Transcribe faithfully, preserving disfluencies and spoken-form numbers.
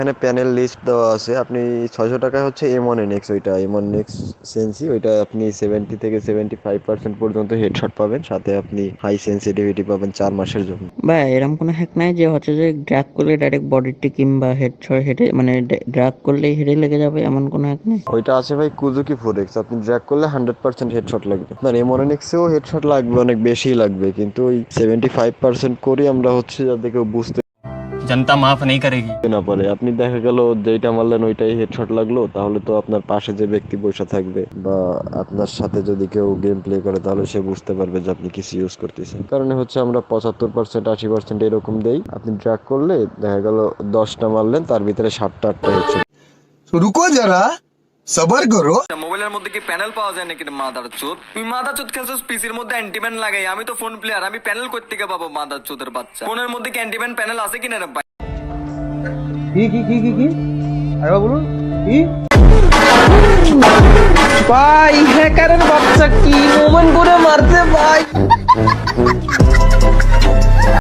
এখানে panel list দেওয়া আছে। আপনি ছয়শো টাকায় হচ্ছে এম ওয়ান এন এক্স, ওইটা এম ওয়ান এক্স সেন্সি, ওইটা আপনি সেভেন্টি থেকে সেভেন্টি ফাইভ পার্সেন্ট পর্যন্ত হেডশট পাবেন, সাথে আপনি হাই সেন্সিটিভিটি পাবেন চার মাসের জন্য। ভাই এরকম কোনো হ্যাক নাই যে হচ্ছে যে ড্র্যাগ করলে ডাইরেক্ট বডিতে কিংবা হেড ছয় হেডে মানে ড্র্যাগ করলেই হেডে লেগে যাবে, এমন কোনো হ্যাক নেই? ওইটা আছে ভাই কুজুকি ফোর এক্স, আপনি ড্র্যাগ করলে হান্ড্রেড পার্সেন্ট হেডশট লাগবে। না এম ওয়ান এন এক্সেও হেডশট লাগবে, অনেক বেশি লাগবে, কিন্তু ওই সেভেন্টি ফাইভ পার্সেন্ট করি আমরা হচ্ছে যাতে কেউ বুঝতে जनता माफ नहीं करेगी। না পারে। আপনি দেখা গেল যেইটা মারলেন ওইটাই হেডশট লাগলো, তাহলে তো আপনার পাশে যে ব্যক্তি বসে থাকবে বা আপনার সাথে যদি কেউ গেম প্লে করে, তাহলে সে বুঝতে পারবে যে আপনি কিছু ইউজ করতেছেন। কারণে হচ্ছে আমরা পঁচাত্তর পার্সেন্ট আশি পার্সেন্ট এরকম দেই। আপনি ট্র্যাক করলে দেখা গেল দশটা মারলেন, তার ভিতরে সাতটা আটটা হেডশট। तो रुको जरा, सबर करो। মোবাইলের মধ্যে কি প্যানেল পাওয়া যায় নাকি মাদার চোদ? তুই মাদার চোদ খেলছিস পিসির মধ্যে অ্যান্টিম্যান লাগাই, আমি তো ফোন প্লেয়ার, আমি প্যানেল কই থেকে পাবো মাদার চোদের বাচ্চা? ফোনের মধ্যে কি অ্যান্টিম্যান প্যানেল আছে কিনা রে ভাই? কি কি কি কি কি আরে বলুন কি ভাই হ্যাকারের বাচ্চা কি মোমেন্ট করে মারতে ভাই।